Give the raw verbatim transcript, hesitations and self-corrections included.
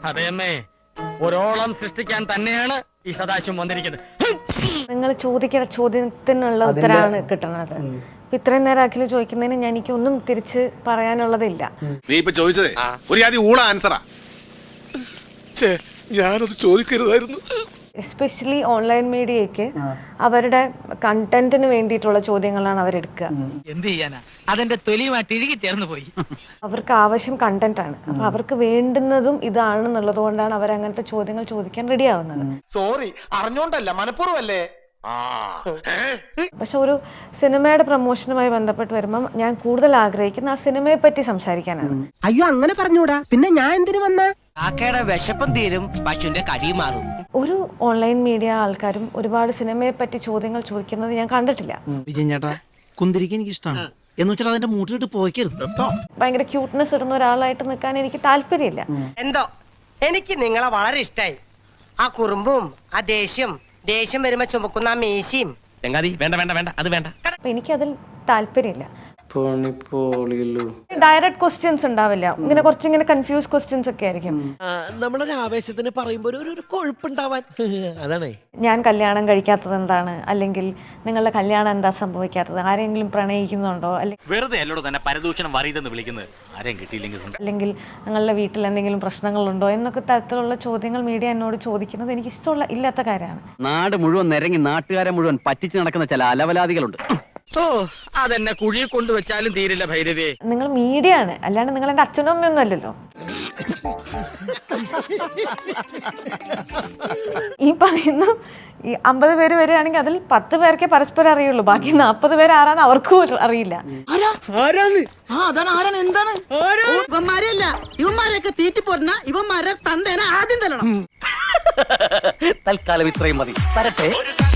അതേമ്മേ, ഒരോളം സൃഷ്ടിക്കാൻ തന്നെയാണ് ഈ സദാശിവം വന്നിരിക്കുന്നത്. നിങ്ങൾ ചോദിക്കുന്ന ചോദ്യത്തിനുള്ള ഉത്തരമാണ് കിട്ടുന്നത്. ഇത്രയും നേരം അഖില് ചോദിക്കുന്നതിന് ഞാൻ എനിക്കൊന്നും തിരിച്ച് പറയാനുള്ളതില്ല. നീ ഇപ്പൊ ചോദിച്ചതേ ഒരു ആദ്യം ഊള ആൻസറാ. ഞാനത് ചോദിക്കരുതായിരുന്നു. എസ്പെഷ്യലി ഓൺലൈൻ മീഡിയയ്ക്ക് അവരുടെ കണ്ടന്റിന് വേണ്ടിയിട്ടുള്ള ചോദ്യങ്ങളാണ് അവരെടുക്കുക. എന്ത് ചെയ്യാനാ, അതെന്റെ തൊലിയുമായിട്ട് ഇഴുകി ചേർന്ന് പോയി. അവർക്ക് ആവശ്യം കണ്ടന്റ് ആണ്. അപ്പൊ അവർക്ക് വേണ്ടുന്നതും ഇതാണെന്നുള്ളത് കൊണ്ടാണ് അവർ അങ്ങനത്തെ ചോദ്യങ്ങൾ ചോദിക്കാൻ റെഡി ആവുന്നത്. സോറി, അറിഞ്ഞോണ്ടല്ല, മനഃപൂർവ്വമല്ലേ. പക്ഷെ ഒരു സിനിമയുടെ പ്രൊമോഷനുമായി ബന്ധപ്പെട്ട് വരുമ്പോൾ ഞാൻ കൂടുതൽ ആഗ്രഹിക്കുന്ന ആ സിനിമയെ പറ്റി സംസാരിക്കാനാണ്. അയ്യോ അങ്ങനെ പറഞ്ഞൂടാ, പിന്നെ ഞാൻ എന്തിനു വന്ന ആക്കയുടെ വിശപ്പം തീരും, പശുവിന്റെ കടി മാറും. ഒരു ഓൺലൈൻ മീഡിയ ആൾക്കാരും ഒരുപാട് സിനിമയെ പറ്റി ചോദ്യങ്ങൾ ചോദിക്കുന്നത് ഞാൻ കണ്ടിട്ടില്ല. വിജയൻ ചേട്ടാ, കുന്തിരിക്കാൻ എനിക്ക് ഇഷ്ടമാണ് എന്ന് വെച്ചാൽ അതിന്റെ മൂട്ടിലിട്ട് പോയിക്കരുത്. ഭയങ്കര ക്യൂട്ട്നെസ് ഇടുന്ന ഒരാളായിട്ട് നിൽക്കാൻ എനിക്ക് താല്പര്യമില്ല. എന്തോ എനിക്ക് നിങ്ങളെ വളരെ ഇഷ്ടായി. ആ കുറുമ്പും ആ ദേഷ്യം ദേഷ്യം വരുമ്പോ ചുമക്കുന്ന ആ മീശയും. ചങ്ങാതി വേണ്ട വേണ്ട വേണ്ട അത് വേണ്ട. അപ്പൊ എനിക്കതിൽ താല്പര്യമില്ല. ഡയറക്റ്റ് ക്വസ്റ്റ്യൻസ് ഉണ്ടാവില്ല, ഇങ്ങനെ കുറച്ചിങ്ങനെ കൺഫ്യൂസ് ക്വസ്റ്റ്യൻസ് ഒക്കെ ആയിരിക്കും. നമ്മളൊരു ആവേശത്തിന് പറയുമ്പോ ഒരു കൊഴുപ്പുണ്ടാവാൻ അതാണ്. ഞാൻ കല്യാണം കഴിക്കാത്തത് എന്താണ്, അല്ലെങ്കിൽ നിങ്ങളുടെ കല്യാണം എന്താ സംഭവിക്കാത്തത്, ആരെങ്കിലും പ്രണയിക്കുന്നുണ്ടോ, അല്ലെങ്കിൽ വെറുതെ അല്ലോട് തന്നെ പരദൂഷണം വറിയതെന്ന് വിളിക്കുന്നത്, ആരെയും കിട്ടിയില്ലെങ്കിൽ അല്ലെങ്കിൽ നിങ്ങളുടെ വീട്ടിൽ എന്തെങ്കിലും പ്രശ്നങ്ങളുണ്ടോ എന്നൊക്കെ തരത്തിലുള്ള ചോദ്യങ്ങൾ മീഡിയ എന്നോട് ചോദിക്കുന്നത് എനിക്ക് ഇഷ്ടമുള്ള ഇല്ലാത്ത കാര്യമാണ്. നാട് മുഴുവൻ നിരങ്ങി നാട്ടുകാരെ മുഴുവൻ പറ്റിച്ചു നടക്കുന്ന ചില അലവലാദികളുണ്ട്. ഓ, അതെന്നെ കുഴി കൊണ്ടുവച്ചാലും തീരില്ല ഭൈരവേ. നിങ്ങൾ മീഡിയ ആണ്, അല്ലാണ്ട് നിങ്ങൾ എന്റെ അച്ഛനും അമ്മയൊന്നും അല്ലല്ലോ. ഈ പറയുന്ന ഈ അമ്പത് പേര് വരികയാണെങ്കിൽ അതിൽ പത്ത് പേർക്കേ പരസ്പരം അറിയുള്ളൂ, ബാക്കി നാപ്പത് പേര് ആരാന്ന് അവർക്കും അറിയില്ല. ഇവന്മാരെയല്ല, ഇവന്മാരെയൊക്കെ തീറ്റി പോരുന്ന ഇവന്മാരെ തന്തേനെ ആദ്യം തരണം. തൽക്കാലം ഇത്രയും മതി. വരട്ടെ.